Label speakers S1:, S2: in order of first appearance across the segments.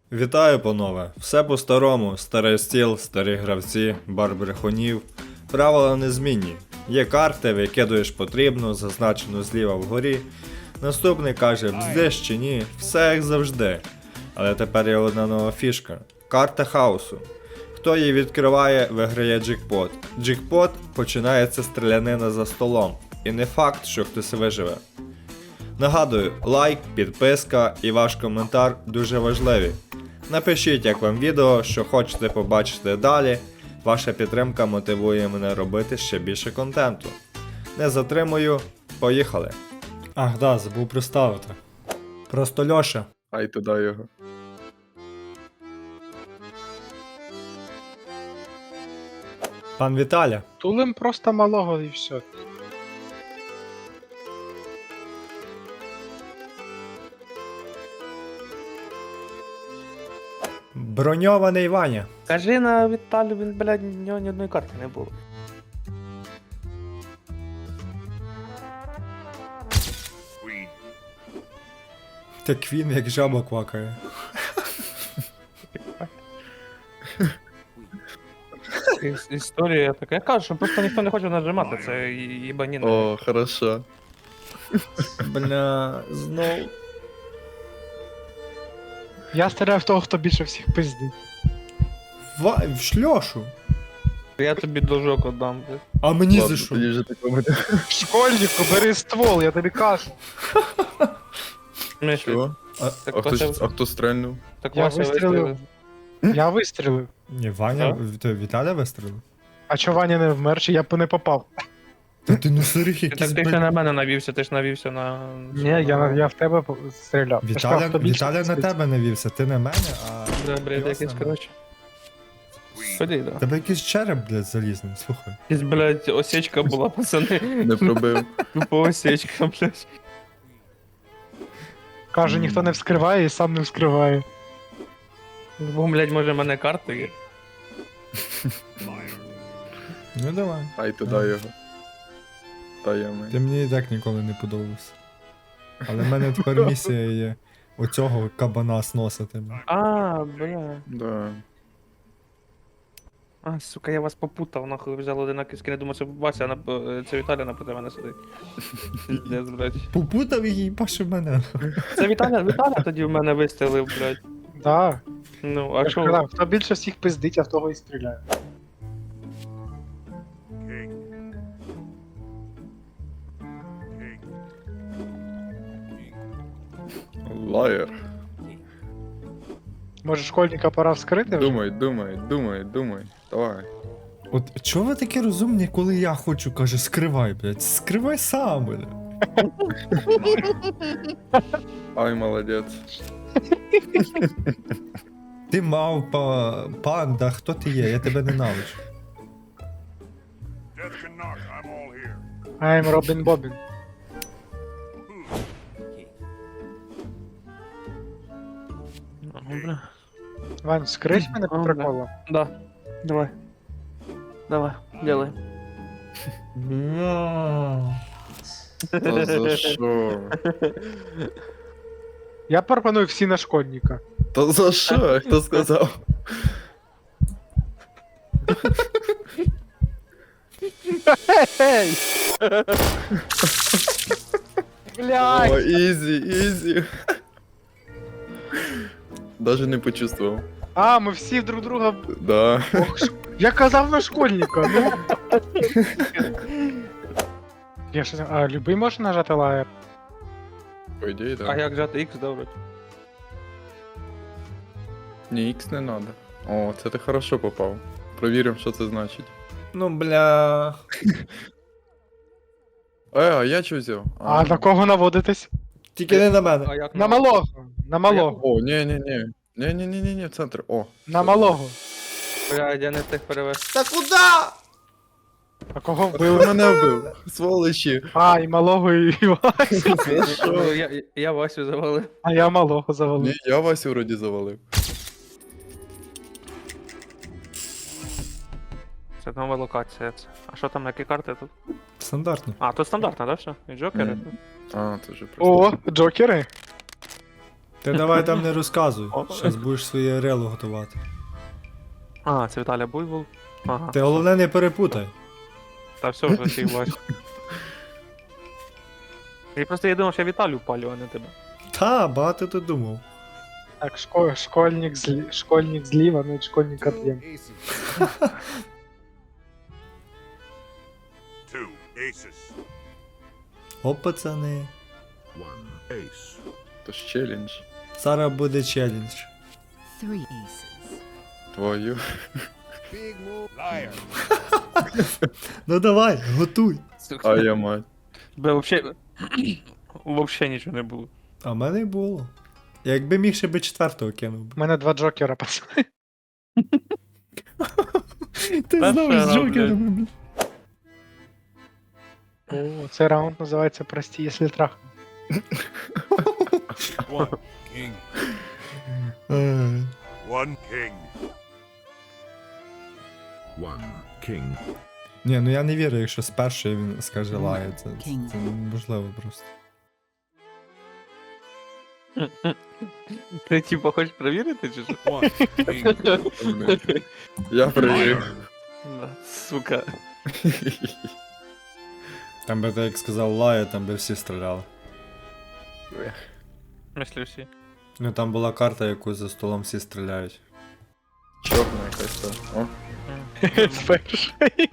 S1: Вітаю, панове! Все по-старому, старий стіл, старі гравці, бар брехунів. Правила незмінні. Є карти, викидуєш потрібну, зазначену зліва вгорі. Наступний каже, бздиш чи ні, все як завжди. Але тепер є одна нова фішка. Карта хаосу. Хто її відкриває, виграє джекпот. Джекпот починається стрілянина за столом. І не факт, що хтось виживе. Нагадую, лайк, підписка і ваш коментар дуже важливі. Напишіть, як вам відео, що хочете побачити далі. Ваша підтримка мотивує мене робити ще більше контенту. Не затримую, поїхали. Ах, да, забув представити. Просто Льоша.
S2: Ай туди його.
S1: Пан Віталя.
S3: Тулим просто малого і все.
S1: Броньований Ваня.
S4: Кажи на Віталю, він, блядь, в нього ні одної карти не було.
S1: Так він як жаба квакає.
S4: Історія така. Я кажу, що просто ніхто не хоче нажимати, це їбаніна.
S2: О, хорошо.
S1: Бля, знов.
S3: Я стріляю в того, хто більше всіх пиздить.
S1: В шльошу.
S4: Я тобі должок отдам, блядь.
S1: А мені
S2: Ладно,
S1: за що?
S2: тоді вже такого не.
S3: Школьнику, бери ствол, я тобі кажу.
S4: Мишлі.
S2: Чого?
S4: Так
S2: А хто стрельнув?
S4: Так
S3: Я
S4: Вася
S3: вистрілив. Я вистрілив.
S1: Ні, Ваня, то Віталя вистрілив.
S3: А чо Ваня не вмер, чи я б не попав?
S1: Та ти ну сирих
S4: Так
S1: якийсь,
S4: ти ще на мене навівся, ти ж навівся на...
S3: Ні, я в тебе стріляв. Я ж
S1: Віталя,
S3: сказав, хто більше
S1: Віталя на
S3: пиздить.
S1: тебе навівся, ти на мене, а...
S4: Бля, блядь, якийсь, коротше. Ході, да.
S1: Тебе якийсь череп, блядь, залізний, слухай.
S4: Якась, блядь, осечка була, пацани.
S2: Не пробив.
S4: Тупо осечка, блядь.
S3: Каже, ніхто не вскриває і сам не вскриває.
S4: Бо, блядь, може в мене карти є.
S1: Ну давай.
S2: Ай туди його. Та я ми.
S1: Ти мені і так ніколи не подобався. Але в мене тепер місія є оцього кабана сносити.
S4: А, бля.
S2: Да.
S4: А, сука, я вас попутав, нахуй взяв одинакові скини, думав, це Вася, це Віталя напроти мене сидить. Піздець, блядь.
S1: Попутав її і пашив мене.
S4: Це Віталя тоді в мене вистрілив, блядь.
S3: Да.
S4: Ну,
S3: Я
S4: а
S3: ж
S4: що?
S3: казав, хто більше всіх пиздить, я в того і стріляю.
S2: Лаєр.
S3: Може школьника пора вскрити вже?
S2: Думай. Давай.
S1: От чого ви такі розумні, коли я хочу, каже, скривай, блядь. Скривай сам, блядь.
S2: Ай, молодець.
S1: Ти мавпа, панда, хто ти є? Я тебе ненавиджу.
S3: I'm Робін Бобін.
S4: Ну, бля.
S3: Вань, вскрить мене по
S4: Ага.
S3: приколу?
S4: Да, давай. Давай, делай.
S2: Та за що?
S3: Я пропоную всі на школьника.
S2: Та за що? Хто сказав?
S3: Ей! Блядь!
S2: О, ізі. Даже не почувствував.
S3: А, ми всі друг друга.
S2: Да.
S3: Ох, я казав на школьника, ну. Я щось... А, любий може нажати лаєр?
S2: По ідеї,
S4: А
S2: да.
S4: як жати X, добре?
S2: Ні, X не надо. О, це ти хорошо попав. Провіримо, що це значить.
S1: Ну, бля.
S2: А я що взяв?
S3: А на кого наводитесь?
S1: Тільки не на мене.
S4: А як
S3: На малого. На малого.
S2: О, ні. Ні, в центр. О.
S3: На малого.
S4: Блядь, я не встиг перевести.
S1: Та куда?
S3: А кого
S2: Ви
S3: вбили?
S2: мене вбив. Сволочі.
S3: А, і малого, і Васю.
S2: За що?
S4: Я Васю завалив.
S3: А я малого
S2: Ні,
S3: завалив.
S2: я Васю вроді завалив.
S4: Це нова локація. А що там, які карти тут?
S1: Стандартно.
S4: А, тут стандартно, да, все? І джокери?
S2: А, це вже просто.
S3: О, джокери.
S1: Ти давай там не розказуй. Щас будеш своє рело готувати.
S4: А, це Віталя Буйвол. Ага.
S1: Ти головне не перепутай.
S4: Та все вже всіх бачу. Я думав, що я Віталю палю, а не тебе.
S1: Та, багато ти думав.
S3: Так, школьник зліва, ну і школьник от'єм.
S5: Two aces.
S1: Оп, пацани.
S5: One ace.
S2: То ж челендж.
S1: Зараз буде челендж.
S6: 3 aces.
S2: Твою.
S5: Big move. Liar.
S1: Ну давай, готуй.
S2: А я мать.
S4: Бе, вообще нічого не було.
S1: А в мене й було. Якби міг, ще би четвертого кинув би.
S3: У мене 2 джокера, пацани.
S1: Ти
S4: Та
S1: знову
S4: що,
S1: з джокерами, блядь.
S3: О, цей раунд називається «Прості, якщо трах».
S5: One king.
S1: Ай.
S5: One king. One king.
S1: Ні, ну я не вірю, якщо з першої він скаже лає. Це
S6: Кінг.
S1: неможливо просто.
S4: Ти типа хочеш перевірити, чи що?
S5: One king.
S2: Я привів.
S4: Да, сука.
S1: Там би ти як сказав лає, там би всі стріляли.
S4: Мислю всі.
S1: Ну там була карта, яку за столом всі стріляють.
S2: Чорна якась та. О,
S3: Перший.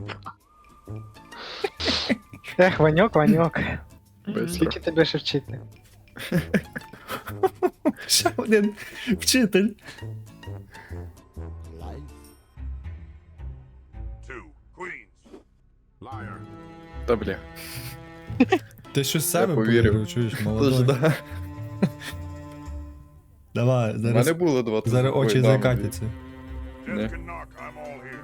S3: Ех, Ваньок, Ваньок.
S2: бистро.
S3: Скільки тебе ще вчити?
S1: Ще один вчитель.
S5: Two queens. Liar.
S2: Та бля.
S1: Ти щось в себе
S2: повірив.
S1: повірив, чуєш,
S2: Тож
S1: молодой.
S2: да.
S1: Давай,
S2: У
S1: зараз,
S2: мене було 2
S1: зараз очі закатяться.
S5: Just
S2: Yeah.
S5: can knock. I'm all here.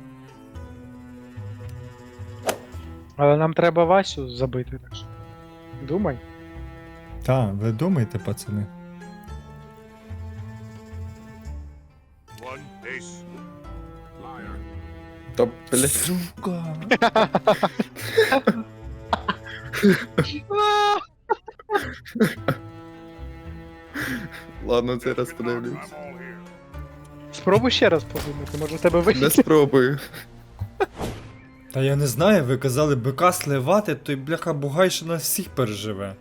S3: Але нам треба Васю забити, так що. Думай.
S1: Та, ви думайте, пацани.
S5: One ace. Liar.
S2: Та блядь.
S1: Сука.
S2: Ладно, цей раз
S5: Knock.
S2: подивлюсь.
S5: I'm all here.
S3: Спробуй ще раз подумати, може в тебе вийде.
S2: Не спробую.
S1: Та я не знаю, ви казали бика сливати, той бляха бугай, що нас всіх переживе.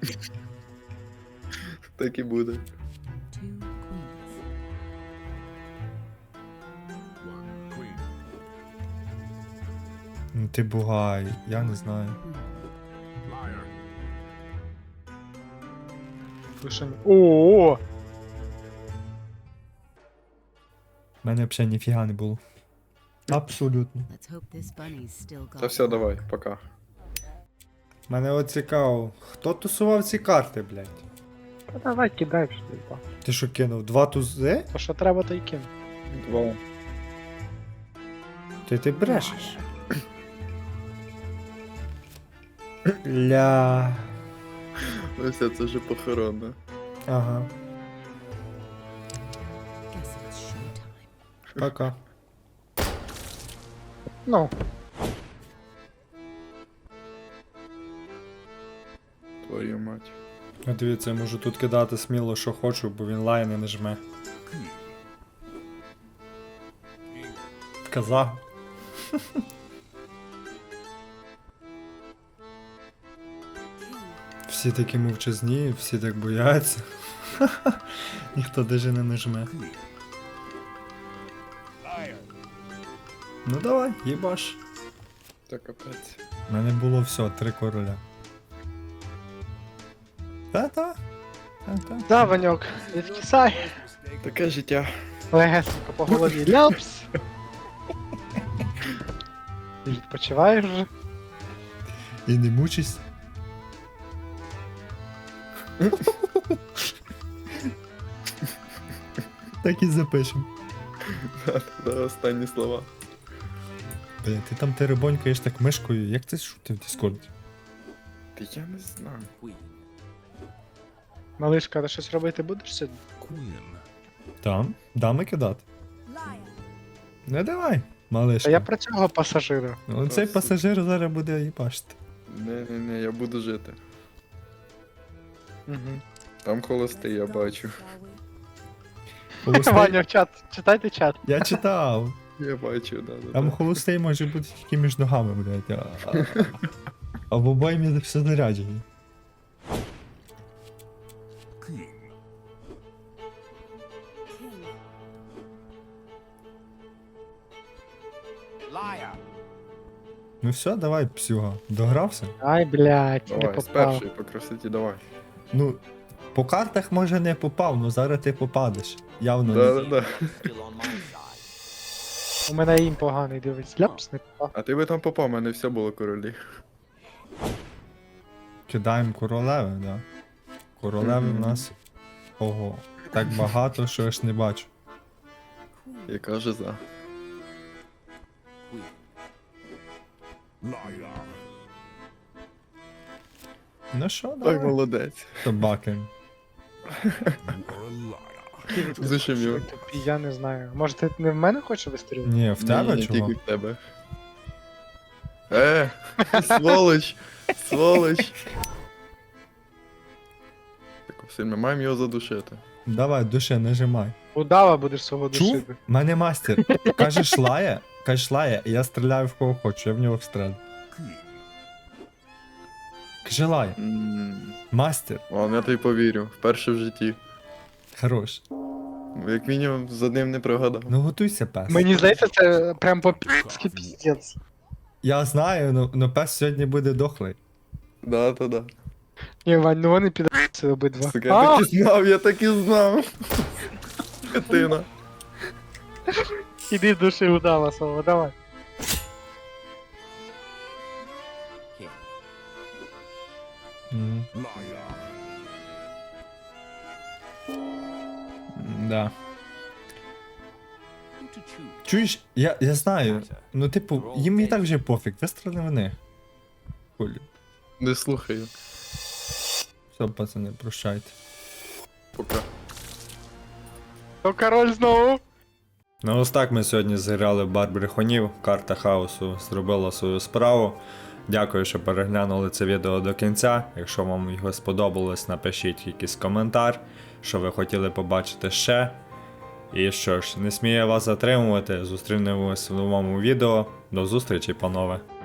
S2: Так і буде.
S6: 2 queens.
S5: One queen.
S1: Ну ти бугай, я не знаю.
S5: Liar.
S3: О!
S1: У мене взагалі ніфіга не було. Абсолютно.
S6: Let's hope this bunny's still got.
S2: Та все, давай, пока.
S1: Мене от цікаво, хто тусував ці карти, блядь?
S3: Та давай кидай що ти.
S1: Ти що кинув? 2 тузи?
S3: То що треба, то й кину.
S2: 2.
S1: Ти брешеш. Ля.
S2: Ну все, це вже похоронно.
S1: Ага.
S6: Guess it's showtime.
S1: Пока.
S3: Ну,
S2: Твою мать.
S1: А дивіться, я можу тут кидати сміло, що хочу, бо він лайни не жме. Казав. Всі такі мовчазні, всі так бояться. Ніхто даже не нажме.
S5: Liar.
S1: Ну давай, їбаш.
S2: Та капець.
S1: У мене було все, 3 короля. Та-та. Та-та.
S3: да, Ваньок, відкисай.
S2: Таке життя.
S3: Легесенько по голові. Ляпс. І відпочиваєш вже.
S1: І не мучись. Так і запишем.
S2: Да, останні слова.
S1: Бля, ти там теребонькаєш так мишкою, як це шути в Діскорді?
S2: Та я не знаю.
S3: Малишка, ти щось робити будеш сьогодні?
S1: Там? Дами кидати? Не давай, малишка.
S3: Та я про цього пасажира.
S1: Ну, цей пасажир зараз буде їбашити.
S2: Не, я буду жити.
S3: Угу.
S2: Там холостий, я бачу.
S1: Холостий...
S3: Ваня, в чат, читайте чат.
S1: Я читав.
S2: Я бачу, да.
S1: Там холостий може бути тільки між ногами, блядь. А в обоймі все заряджені.
S5: King.
S1: Ну все, давай, псюга. Догрався?
S3: Ай, блядь, не
S2: Давай, з
S3: попав.
S2: першої по красоті, давай.
S1: Ну, по картах може не попав, ну зараз ти попадеш. Явно
S2: Да,
S1: не.
S2: да, да.
S3: У мене їм поганий, дивись. Ляпс, не попав.
S2: А ти би там попав, у мене все було королі.
S1: Кидаємо королеви, да. Королеви в
S2: Мгм.
S1: нас. Ого. Так багато, що я ж не бачу.
S2: Яка же за.
S5: Liar.
S1: Ну що,
S2: Так,
S1: давай.
S2: молодець.
S1: Собаки.
S5: You are a liar.
S2: Зашумів.
S3: Тупі, я не знаю. Може ти не в мене хочеш вистрілити?
S1: Ні, в тебе
S2: Ні,
S1: чого?
S2: тільки в тебе. Сволоч! Сволоч! Так, все, ми маємо його задушити.
S1: Давай, души, нажимай.
S3: Удава будеш свого
S1: Чув?
S3: душити.
S1: Мене мастер. Кажеш лає, і я стріляю в кого хочу, я в нього встрелю.
S5: King.
S1: Каже лає. Мастер.
S2: Ладно, я тобі повірю. Вперше в житті.
S1: Хорош.
S2: Як мінімум з одним не прогадав.
S1: Ну готуйся, пес.
S3: Мені здається, це прям по-пі***ски піздець.
S1: Я знаю, но пес сьогодні буде дохлий.
S2: Да, то да.
S3: Ні, Вань, ну вони підраться обидва.
S2: Сука, я так і знав, я так і знав. Скотина.
S3: Іди души удава свого, давай.
S1: Мгм.
S5: Liar.
S1: Да. Чуєш, я знаю. Ну, типу, їм і так вже пофіг, вистріли в них. Хулі.
S2: Не слухаю.
S1: Все, пацани, прощайте.
S2: Пока.
S3: То король знову.
S1: Ну ось так ми сьогодні зіграли в бар брехунів. Карта хаосу зробила свою справу. Дякую, що переглянули це відео до кінця. Якщо вам його сподобалось, напишіть якийсь коментар, що ви хотіли побачити ще. І що ж, не смію вас затримувати. Зустрінемось в новому відео. До зустрічі, панове.